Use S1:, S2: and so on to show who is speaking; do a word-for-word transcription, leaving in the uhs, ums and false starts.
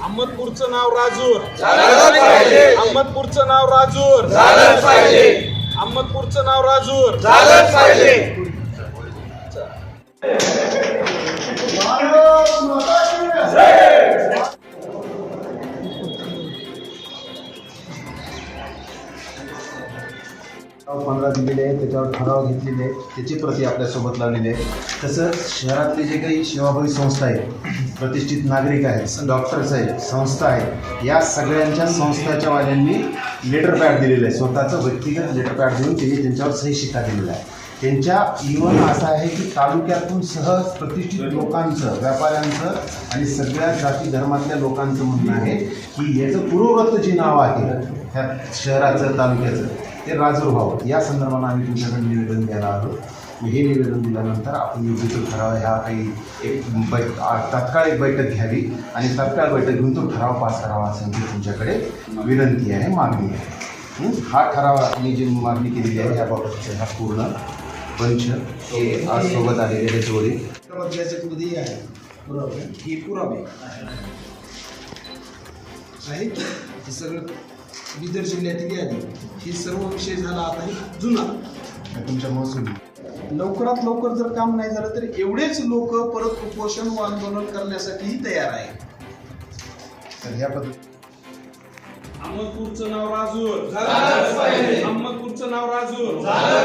S1: अहमदपूरचं नाव राजूर
S2: झालंच पाहिजे.
S1: अहमदपूरचं नाव राजूर
S2: झालंच पाहिजे.
S1: अहमदपूरचं नाव राजूर
S2: झालंच पाहिजे.
S3: पंधरा दिलेले आहेत, त्याच्यावर ठराव घेतलेले आहेत, त्याची प्रती आपल्यासोबत लावलेली आहे. तसंच शहरातले जे काही सेवाभावी संस्था आहेत, प्रतिष्ठित नागरिक आहेत, डॉक्टर्स आहेत, संस्था आहेत, या सगळ्यांच्या संस्थाच्या वाल्यांनी लेटर पॅड दिलेलं आहे. स्वतःचं व्यक्तिगत लेटर पॅड देऊन त्यांनी त्यांच्यावर सही शिक्का दिलेला आहे. त्यांच्या इव्हन असं आहे की तालुक्यातून सहज प्रतिष्ठित लोकांचं, व्यापाऱ्यांचं आणि सगळ्या जाती धर्मातल्या लोकांचं म्हणणं आहे की याचं पूर्ववत जे नाव आहे ह्या शहराचं, तालुक्याचं, ते राजूर व्हावं. या संदर्भानं आम्ही तुमच्याकडे निवेदन द्यायला आलो. हे निवेदन दिल्यानंतर आपण योग्य तो ठराव ह्या काही एक बै तात्काळ एक बैठक घ्यावी आणि तात्काळ बैठक घेऊन तो ठराव पास करावा असं तुमच्याकडे विनंती आहे, मागणी आहे. हा ठराव मी जी मागणी केलेली आहे याबाबतचा हा पूर्ण पंच हे आज सोबत आलेले हे जोडे
S4: मध्ये आहे पुरावे, हे पुरावे आहेत. हे सगळं बिदर जिल्ह्यातील यादी, हे सर्व विषय झाला. आता हे जुना
S3: तुमच्या महसूल
S4: लवकरात लवकर जर काम नाही झालं तर एवढेच लोक परत उपोषण व आंदोलन करण्यासाठीही तयार आहे.
S3: तर ह्या पद्धती
S1: अहमदपूरचं नाव राजूर
S2: झालंच पाहिजे.
S1: अहमदपूरचं नाव राजूर
S2: झालंच